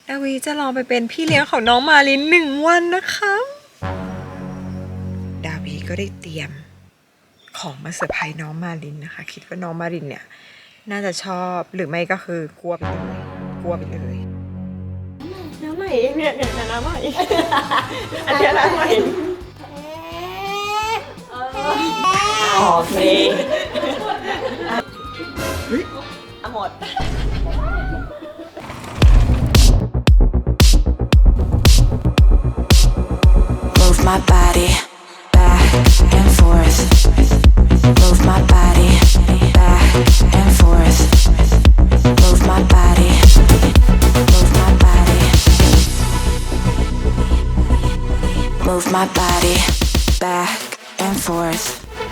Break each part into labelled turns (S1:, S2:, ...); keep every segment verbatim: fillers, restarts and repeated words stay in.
S1: ดาวีจะลองไปเป็นพี่เลี้ยงของน้องมาลินหนึ่งวันนะคะดาวีก็ได้เตรียมของมาเซอร์ไพรส์น้องมาลินนะคะคิดว่าน้องมาลินเนี่ยน่าจะชอบหรือไม่ก็คือกลัวไปเลยกลัวไปเลยน้ำใหม่เองเนี่ยเนี่ยน้ำใหม่อันนี้น้ำใหม่โอเคหมด
S2: Move my body back and forth. Move my body back and forth. Move my body. Move my body. Move my body back and forth.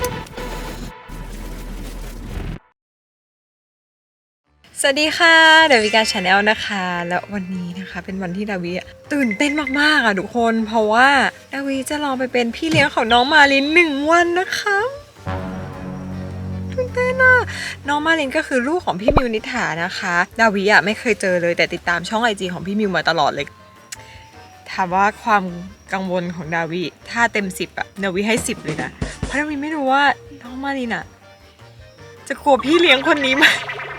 S1: สวัสดีค่ะดาวิกาชาแนลนะคะแล้ววันนี้นะคะเป็นวันที่ดาวิตื่นเต้นมากๆอ่ะทุกคนเพราะว่าดาวิจะลองไปเป็นพี่เลี้ยงของน้องมาลินหนึ่งวันนะคะตื่นเต้นอ่ะน้องมาลินก็คือลูกของพี่มิวนิษฐานะคะดาวิอ่ะไม่เคยเจอเลยแต่ติดตามช่องไอจีของพี่มิวมาตลอดเลยถามว่าความกังวลของดาวิถ้าเต็มสิบอ่ะดาวิให้สิบเลยนะเพราะดาวิไม่รู้ว่าน้องมาลินอ่ะจะกลัวพี่เลี้ยงคนนี้ไหม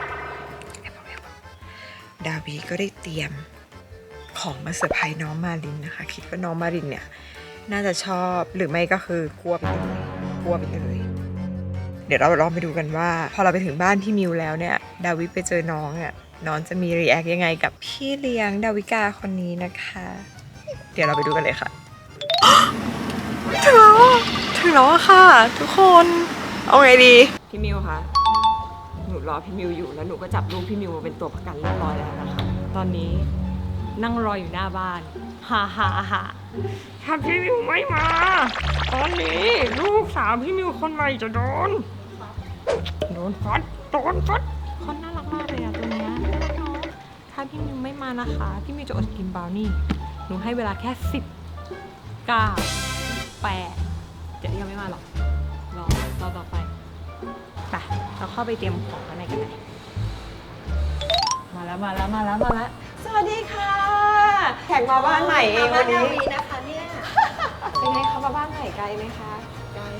S1: ดาวีก็ได้เตรียมของมาเซอร์ไพรส์น้องมาลินนะคะคิดว่าน้องมาลินเนี่ยน่าจะชอบหรือไม่ก็คือกลัวไปเลยกลัวไปเลยเดี๋ยวเราลองไปดูกันว่าพอเราไปถึงบ้านพี่มิวแล้วเนี่ยดาวิไปเจอน้องอ่ะน้องจะมีรีแอคยังไงกับพี่เลี้ยงดาวิกาคนนี้นะคะเดี๋ยวเราไปดูกันเลยค่ะถึงแล้วถึงแล้วค่ะทุกคนเอาไงดีพี่มิวคะหนูรอพี่มิวอยู่แล้วหนูก็จับลูกพี่มิวมาเป็นตัวประกันเรียบร้อยแล้วนะคะตอนนี้นั่งรออยู่หน้าบ้านฮ่าฮ่าฮ่าถ้าพี่มิวไม่มาตอนนี้ลูกสาวพี่มิวคนใหม่จะโดนโดนฟัดโดนฟัดคนน่ารักมากเลยอะตัวเนี้ยถ้าพี่มิวไม่มานะคะพี่มิวจะอดกินบราวนี่หนูให้เวลาแค่สิบเก้าแปดเดี๋ยวยังไม่มาหรอกรอรอต่อไปไปเราเข้าไปเตรียมของข้างในกันเลยมาแล้วมาแล้วมาแล้วมาแล้วสวัสดีค่ะแขกมาบ้านใหม่เองวันนี้นะคะเนี่ยเป็นไงคะมาบ้านใหม่ไกลไหมคะไกล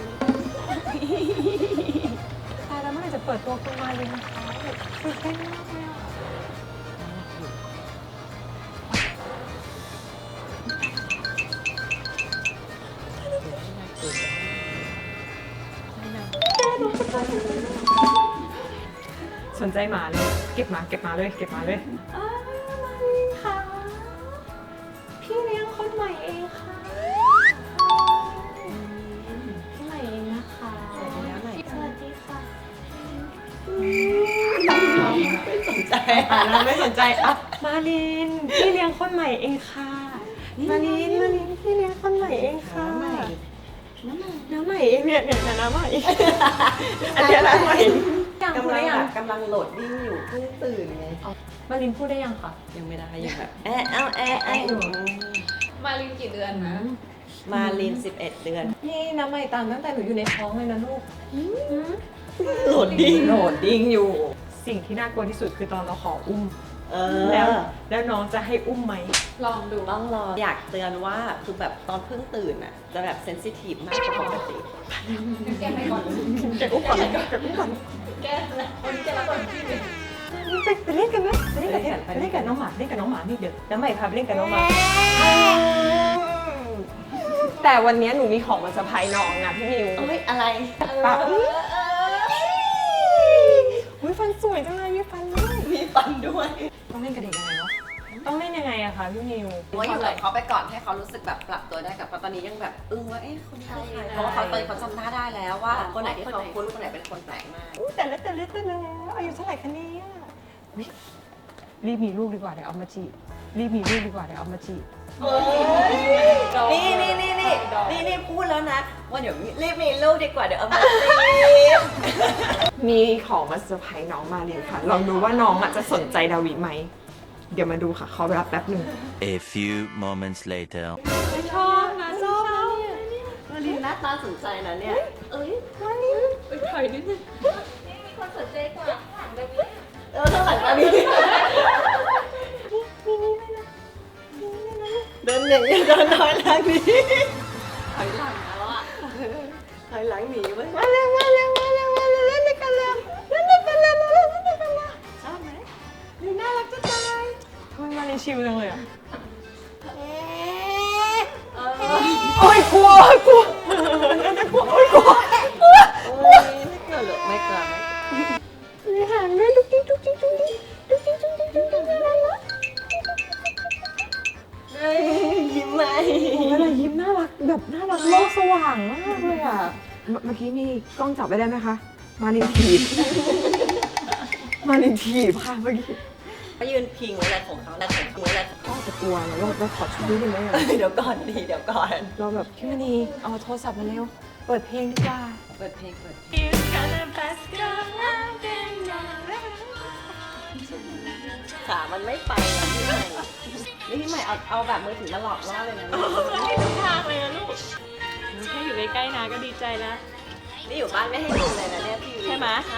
S1: ตายแล้วเมื่อไหร่จะเปิดตัวคุณมาเลยนะคะตื่นเต้นมากเลยอ่ะสนใจหมาเลยเก็บหมาเก็บหมาเลยเก็บหมาเลยอ้าวมาลินค่ะพี่เลี้ยงคนใหม่เองค่ะพี่ใหม่เองนะคะสวัสดีค่ะสวัสดีค่ะไม่สนใจอ่ะเราไม่สนใจอ่ะมาลินพี่เลี้ยงคนใหม่เองค่ะมาลินมาลินพี่เลี้ยงคนใหม่เองค่ะน้ำใหม่เองเนี่ยเนี่ยน้ำใหม่อันนี้น้ำใหม่
S3: กำลังแบบกำลังโหลดดิ้งอยู่เพิ่งตื่นไง
S1: มาลินพูดได้ยังคะ
S3: ยังไม่ได้ยังแบบแอะเอาแอะแอะอยู่
S4: มาลินกี่เดือนนะ
S3: มาลินสิบเอ็ดเดือน
S1: นี่น้ำใหม่ตามตั้งแต่หนูอยู่ในท้องเลยนะลูก
S3: โหลดดิ้ง
S1: โหลดดิ้งอยู่สิ่งที่น่ากลัวที่สุดคือตอนเราขออุ้มแล้วแล้วน้องจะให้อุ้มไหม
S4: ลองดู
S3: ต้องรออยากเตือนว่าคือแบบตอนเพิ่งตื่นอ่ะจะแบบเซนซิทีฟมากกว่าปกติ
S4: แกไปก่อน
S1: แกอุ้มก่อนแกอุ้มก่อน
S4: แกนะวันนี้แกรับก่อนพี่เลย
S1: ไปเล่นกันไหมไปเล่นกันไปเล่นกับน้องหมาเล่นกับน้องหมานี่เดี๋ยวน้ำใหม่พาไปเล่นกับน้องหมาแต่วันนี้หนูมีของมาเซอร์ไพรส์น้องนะพี่มิว
S3: เอ้ยอะไร
S1: ปากอุ้ยฟันสวยจังเลยมีฟันด้วย
S3: มีฟันด้วย
S1: ต้องเล่นกับเด็กยังไงเนาะต้องเล่นยังไงอะคะพี่มิว
S3: ว่าอยู่กับเขาไปก่อนให้เขารู้สึกแบบปรับตัวได้กับตอนนี้ยังแบบอึ้งว่าเอ๊ะคนนี้ใครเพราะว่าเขาตอนเขาจำหน้าได้แล้วว่าคนไหนที่เขาคุ้นคนไหนเป็นคนแปลกมาก
S1: แต่เล็กแต่เล็กแต่เล็กอายุเท่าไหร่คะเนี่ยรีบมีลูกดีกว่าเดี๋ยวเอามาจีบรีบมีลูกดีกว่าเดี๋ยวเอามาจีบ
S3: นี่นี่นี่นี่นี่นี่พูดแล้วนะว่าเดี๋ยวรีบมีลูกดีกว่าเดี๋ยวเอามาจีบ
S1: มีของมาเซอร์ไพรส์น้องมาลินค่ะลองดูว่าน้องจะสนใจดาวิไหมเดี๋ยวมาดูค่ะเขาไปรับแป๊บหนึ่ง
S5: A few moments later
S1: ชอบนะชอบ
S3: มาลินหน้าตาสนใจนะเนี่ยเอ้ย
S1: มาลิน
S4: ไปถอยนิดนึงนี่มีคนสนใจกว่าหลังแบบนี้
S3: เออข้างหลังมาลิน
S1: นี่นี่เลยนะ
S3: เดินอย่างนี้เดินถอยหลังหนีถอยหลังแล้วอ่ะถอยหลังหนีไว้มาเร็วมาเร็วมาเร็วมาเร็วเล่นด้วยกันเร็วเล่นด้วยกันเร็วเล่นด้วยกันเร็วชอบไหมนี่น่ารักจะตาย
S1: ทำไมมาในชิวจังเลยอ่ะ
S3: โอ้ยกลัวกลัวกลัวโอ้ยกลัวกลัวโอ้ยไม่กลัวหรอกไม่กลัวมีหางด้วยดุ๊กดิ๊กดุ๊กดิ๊กดุ๊กดิ๊กดุ๊กดิ๊กดุ๊กดิ๊กดุ๊กดิ๊กอะไรนะเฮ้ยยิ้มไหม
S1: เวลายิ้มน่ารักแบบน่ารักโลกสว่างมากเลยอ่ะ เมื่อกี้มีกล้องจับไว้ได้ไหมคะ มาลินทีบ มาลินทีบค่ะเมื่อกี้
S3: เขายืนพิงอะไรของเขาอะไรของเขาอะไร
S1: ก็จะกลัวแล้วเราเราขอชุดนี้ได้ไหมอะ
S3: เดี๋ยวก่อนดีเดี๋ยวก่อน
S1: เราแบบพี่มณีเอาโทรศัพท์มาเร็ว เปิดเพลงดีกว่า
S3: เปิดเพลงเปิดขามันไม่ไปอ่ะพี่ใหม่นี่พี่ใหม่เอาเอาแบบมือถือมาหลอกล่อเลยนะ
S4: ไม่ทุกทางเลยนะลูกแค่อยู่ใกล้ๆนะก็ดีใจแล้ว
S3: นี่อยู่บ้านไม่ให้ดูเลยนะเนี่ยพี่
S4: ใช่ไหม
S3: ใช่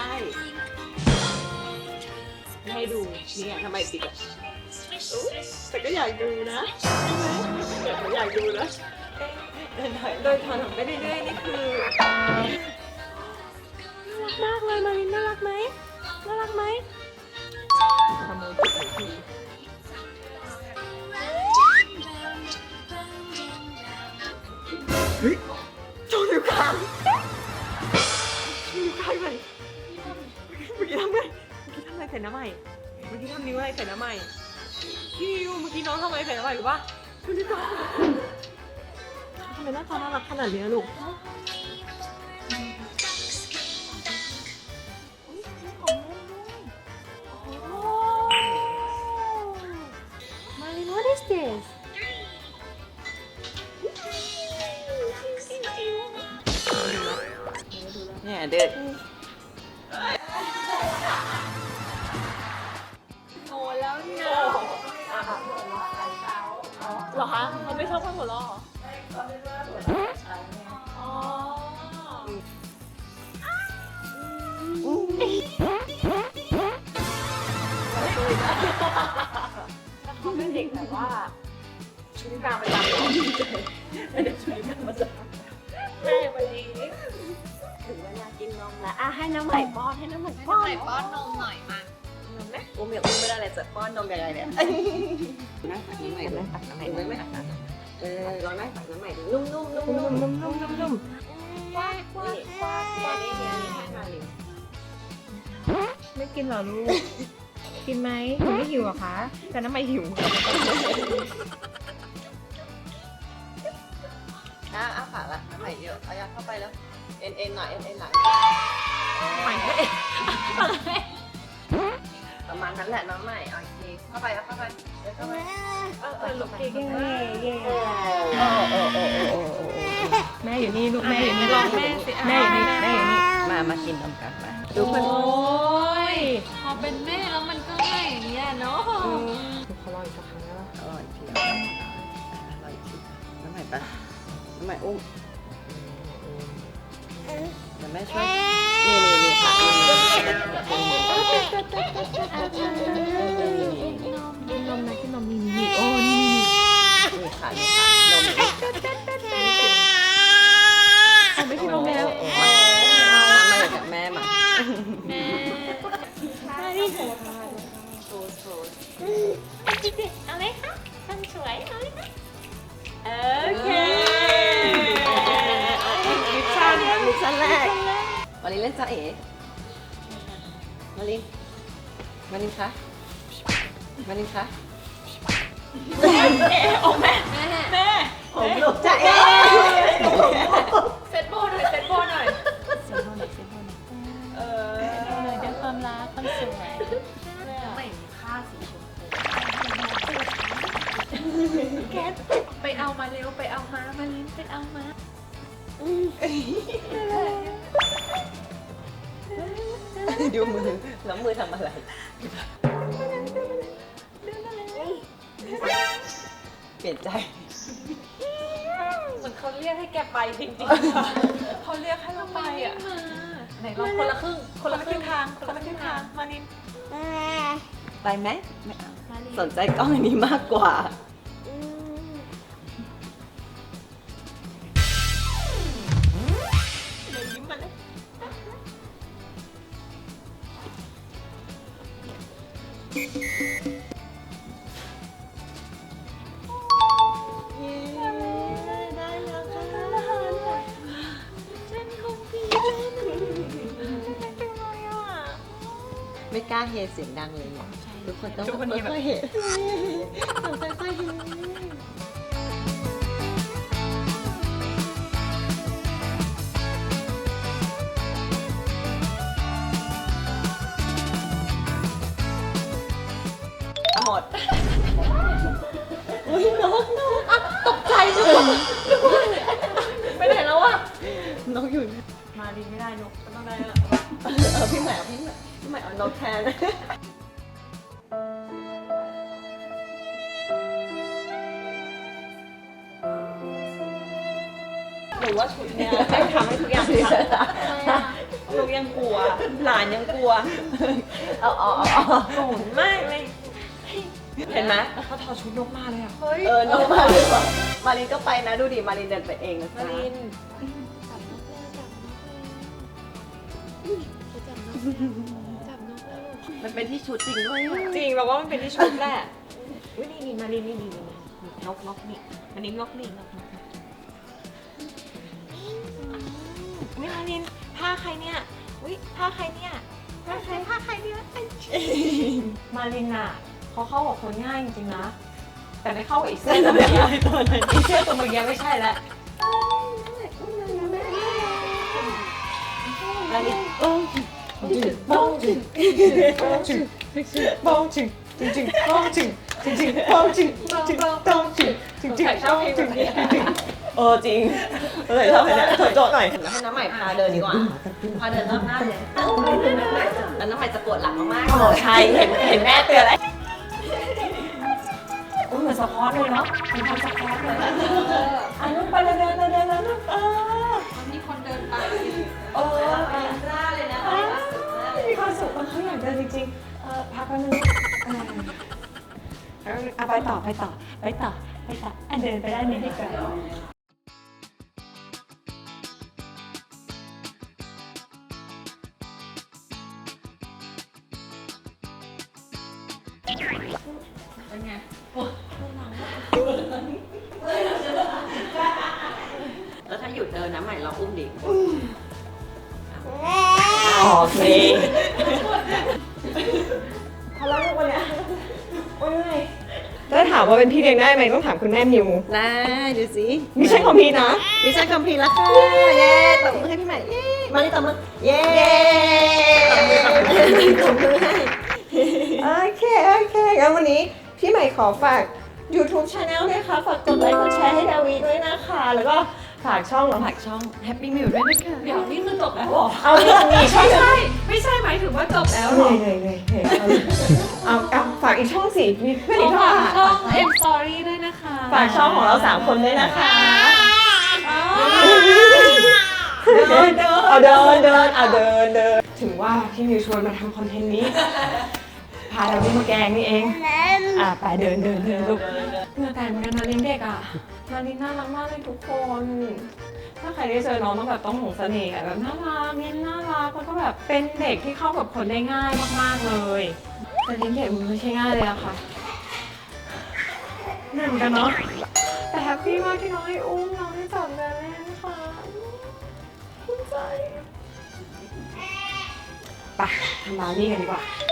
S4: ไม่ให้ดูนี่ไงทำไมปิดอ่ะอุ๊ยแต่ก็อยากดูนะใช่ไหมอยากอยากดูนะ
S3: เดินถอย
S1: โดยถอนออกไปเรื่อยๆนี่คือ
S4: น่ารักมากเลยมารินน่ารักไหมน่ารักไหม
S1: ขโมยจุดหนึ่งทีเฮ้ยโจนอยู่กลางอยู่กลางเลยเมื่อกี้ทำไงเมื่อกี้ทำอะไรใส่น้ำใหม่เมื่อกี้ทำนิ้วอะไรใส่น้ำใหม่พี่นิวเมื่อกี้น้องทำอะไรใส่น้ำใหม่หรือปะดูดิน้องทำไมหน้าตาน่ารักขนาดนี้ลูก
S4: Marlin, what is this?
S3: เนี่ยเดิน
S4: โอ้แล้วเนี่ยเหรอคะเขาไม่ชอบคนหัวเราะเหรออ๋อเขาเป็นเด็กแบบว่าชุดกลางประจำเหรอไม่ได้ชุดกลางประจำแม่วันนี้ถึงเวลากินนมแล้วอ่ะให้น้ำใหม่ป้อนให้น้ำใหม่ป้อน
S3: ป้อนนมหน่อยมาอุ้มอย่าอุ้มไม่ได้เลยจะป้อนนมยังไงเนี่ยนั่งตักน้ำใหม่นั่งตักน้ำใหม่ไม่ไม่ตักน้ำเออลองนั่งตักน้ำใหม่ดูนุ่มนุ่มนุ่มนุ่มนุ่มนุ่มนุ่มนุ่มว้าวว้าวว้าวว้าวนี่นี่นี่ให้มาเลย
S4: ไม่กินเหรอลูก กินไหมหนูไม่หิวเหรอคะ แต่น้ำไม่หิว
S3: อ่ะอ้าปากละน้ำใหม่เยอะเอายัดเข้าไปแล้วเอ็นเอ็นหน่อยเอ็นเอ็นหลัง
S4: ใหม่ไม่
S3: ประมาณนั้นแหละน้องใหม่โอเคเข้าไปแล้วเข้าไปเดี๋ยวเข้าไป
S4: เออเออลูกเก่งเย่เย่
S3: โอ้โอ้โอ้โอ้โอ้โอ้
S4: แม่อยู่นี่ลูกแม่อยู่นี่ลองแม่สิแม่อยู่นี่แม่อยู่นี่
S3: มามากินนมกันมา
S4: โอ้ยพอเป็นแม่แล้วมันก็ไม่อย่างเงี้ยเนาะ
S1: เขารออีกสักครั้งแล้ว
S3: อร่อยทีอร่อยทีน้ำใหม่ปะน้ำใหม่อุ้มเดี๋ยวแม่ช่วยนี่นี่นี่ค่ะ
S4: กินนมนะกินนมนี่นี่โอ้นี่
S3: นี่ค่ะนี่ค่ะนม
S4: เอาไม่กินนมแล้ว
S3: มามาเลยกับแม่มา
S4: แม่มาดิเอาเลยค่ะคนสวยเอาเลยค่ะโอเคมิชชั่น
S3: มิชชั่นแรกมาลินเล่นจ้าเอ๋มาลินมาลินคะมาลินคะ
S4: เอ๋ออกแม่แม่
S3: ผมลูกจ้าเอ๋
S4: เซตโบหน่อยเซตโบหน่อยเซตโบหน่อยเซตโบหน่อยเออเดี๋ยวความรักความสวยไม่มีค่าสีชมพูแกไปเอามาเร็วไปเอามามาลิ้นไปเอามา
S3: ดูมือแล้วมือทำอะไรเปลี่ยนใจ
S4: เหมือนเขาเรียกให้แกไปจริงๆเขาเรียกให้เราไปอ่ะไหนลองคนละครึ่งคนละครึ่งทางคนละครึ่งทางมานิน
S3: ไปไหมไม่เอาสนใจกล้องอันนี้มากกว่ากล้าเฮเสียงดังเลยเนี่ยทุกคนต้อง
S1: ทุกคนนี้แบบ
S3: ค่อยๆเฮต้องค่อยๆเฮหมดอุ้ยนกนกอ่ะตกใจนกไปไหนแล้วอะนกอยู่
S4: มาดีไม่ได้นกก็ต้องได้ละ
S3: เออพี่ใหม่เอาพี่ใหม่พี่ใหม่เอานกแทนหรือว่าชุดเนี้ยให้ทำให้ทุกอย่างดีลูกยังกลัว หลานยังกลัว เอาเอาเอาเอา
S1: โกรธมากเลย
S3: เห็นไหม
S1: เขาถอดชุดนกมาเลยอ่ะ
S4: เฮ้ย
S3: เออ นกมาเลยว่ะมารินก็ไปนะ ดูดิ มารินเดินไปเองนะ
S1: มาริน
S3: มันเป็นที่ชุดจริงด้วยอะ
S1: จริงเราว่ามันเป็นที่ชุดแหละอุ้ยนี่นี่มารินนี่นี่นี่นกนกนี่อันนี้นกนี่นกนกนี่มารินผ้าใครเนี่ยอุ้ยผ้าใครเนี่ยผ้าใครผ้าใครเนี่ยมารินอ่ะเขาเข้ากับคนง่ายจริงๆนะแต่ไม่เข้ากับอีกเส้นตัวเมื่อกี้อีกเส้นตัวเมื่อกี้ไม่ใช่แล้วมารินเออบ้องจึงบ้องจึงบ้องจึงจริงจริงบ้องจึงจริงจริงบ้องจึงจริงบ้องจึงจริงจริงบ้องจึงเออจริงเออชอบเนี่ยโจทย์หน่อย
S3: ให้น้ำใหม่พาเดินดีกว่า พาเดินรอบหน้าเลยแล้วน้ำใหม่จะปวดหลังมาก
S1: โอ้ใช่เห็นเห็นแม่เตือนแล้วอุ้ยเหมือนสปอร์ตเลยเนาะเหมือนทำสปอร์ตเลยอ่ะลูกไปเดินเดินเดินเดินเดินลูกเออ
S4: มีคนเดินไป
S1: เออ
S3: ๆเป็นร่าเลยนะ
S1: มีความสุขเขาอยากเดินจริงๆเออพักแป๊บนึงเออเอาไปต่อไปต่อไปต่อไปต่ออ่ะเดินไปได้นิดเดียว
S3: แล้วถ้าหยุดเดินน้ำใหม่เราอุ้มดิ
S1: โอเคพอแล้วลูกวันเนี้ยโอ้ยถ้าถามว่าเป็นพี่เลี้ยงได้ไหมต้องถามคุณแม่มิว
S3: ได้ดูสิ
S1: ไม่ใช่ของพี่นะ
S3: มิชชั่นคอมพลีทแล้วค่ะ เย้ตบมือให้พี่ใหม่ เย้ มานี่ตบมือ เย้ตบมือตบมือตบมือให้
S1: โอเค โอเคงั้นวันนี้พี่ใหม่ขอฝาก YouTube Channel ด้วยค่ะ ฝากกดไลค์กดแชร์ให้ดาวีด้วยนะคะ แล้วก็ฝากช่องฝากช่อง Happy Meal ด้วยนะคะ
S4: เดี๋ยวนี่คือจบแล้วเหรอ
S1: เอามีมีช่อง
S4: ไม่ใช่ ไม่ใช่หมายถึงว่าจบแล้ว
S1: เอา
S4: เหรอ
S1: เลยเลยเลยเอาเอาฝากอีกช่องสิมีเพื่อนอีกช่อง
S4: ฝาก
S1: อ่ะ
S4: ช่อง M Story ด้วยนะคะ
S1: ฝากช่องของเราสามคนด้วยนะคะ
S3: เดินเดิน
S1: เอาเดินเดินเอาเดินเดินถึงว่าพี่มิวชวนมาทำคอนเทนต์นี้ พาเราที่มาแกงนี่เอง อ่ะไปเดินเดินเดินลูกเหงื่อแตกเหมือนกันนะลินเด็กอ่ะมาลินน่ารักมากเลยทุกคน ถ้าใครได้เจอน้องต้องแบบต้องหลงเสน่ห์อะแบบน่ารักเน้นน่ารักแล้วก็แบบเป็นเด็กที่เข้ากับคนได้ง่ายมากๆเลยแต่ลินเด็กมันไม่ใช่ง่ายเลยอะค่ะเหมือนกันเนาะแต่แฮปปี้มากที่น้องให้อุ้มน้องให้จับเดินเล่นค่ะภูมิใจไปทำบาร์บี้กันดีกว่า